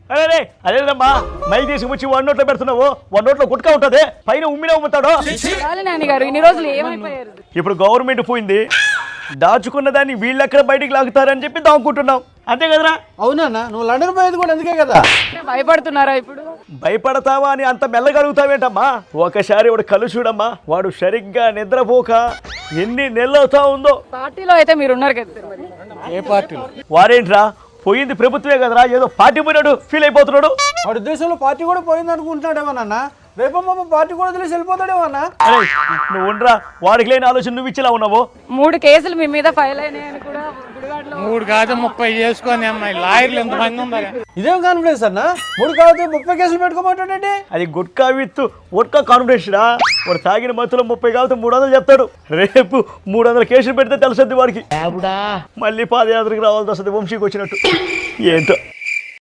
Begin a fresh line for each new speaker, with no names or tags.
అరే అదేదమ్మా మైక్ తీసుకొచ్చి వన్ నోట్లో పెడుతున్నావు, వన్ నోట్లో గుట్కా ఉంటుంది, పైన ఉమ్మినే ఉమ్ముతాడు.
నాని గారు ఇన్ని రోజులు ఏమైపోయారు?
ఇప్పుడు గవర్నమెంట్ పోయింది, దాచుకున్న దాన్ని వీళ్ళెక్కడ బయటికి లాగుతారని చెప్పి దాక్కుంటున్నాం, అంతే కదరా?
అవునా, నువ్వు లండన్ పోయేది కూడా అందుకే కదా.
భయపడుతున్నారా ఇప్పుడు?
భయపడతావా అని అంత మెల్లగలుగుతావేంటమ్మా? ఒకసారి వాడు కళ్ళు చూడమ్మా, వాడు సరిగ్గా నిద్రపోక ఎన్ని నెలలు అవుతా ఉందో.
పార్టీలో అయితే మీరు ఉన్నారు కదా మరి.
ఏ పార్టీలో?
వారేంట్రా, పోయింది ప్రభుత్వమే కదరా, ఏదో పార్టీ పోయినాడు ఫీల్ అయిపోతున్నాడు.
వాడి ఉద్దేశంలో పార్టీ కూడా పోయింది అనుకుంటున్నాడేమోనన్నా, రేపమ్మ పార్టీ కూడా తెలిసి వెళ్ళిపోతాడేమన్నా.
అరే నువ్వు ఉండరా, వాడికి లేని ఆలోచన నువ్వు ఇచ్చేలా ఉన్నావు.
3 కేసులు మీ మీద ఫైల్ అయినాయని కూడా గుడివాడలో
3 కాదు 30 చేసుకొని అమ్మాయి లాయర్లు ఎంతమంది ఉన్నారు?
ఇదేం కాన్ఫిడెన్స్ అన్న? 3 కాకపోతే 30 కేసులు పెట్టుకోమంటాడండి.
అది గుట్కా విత్ వడ్కా కాన్ఫిడెన్స్ రా. వాడు తాగిన మత్తులో 30 కాకపోతే 300 చెప్తాడు. రేపు 300 కేసులు పెడితే తెలుసద్ది వాడికి. మళ్ళీ పాదయాత్రకు రావాల్సి వస్తుంది వంశీకి వచ్చినట్టు. ఏంటో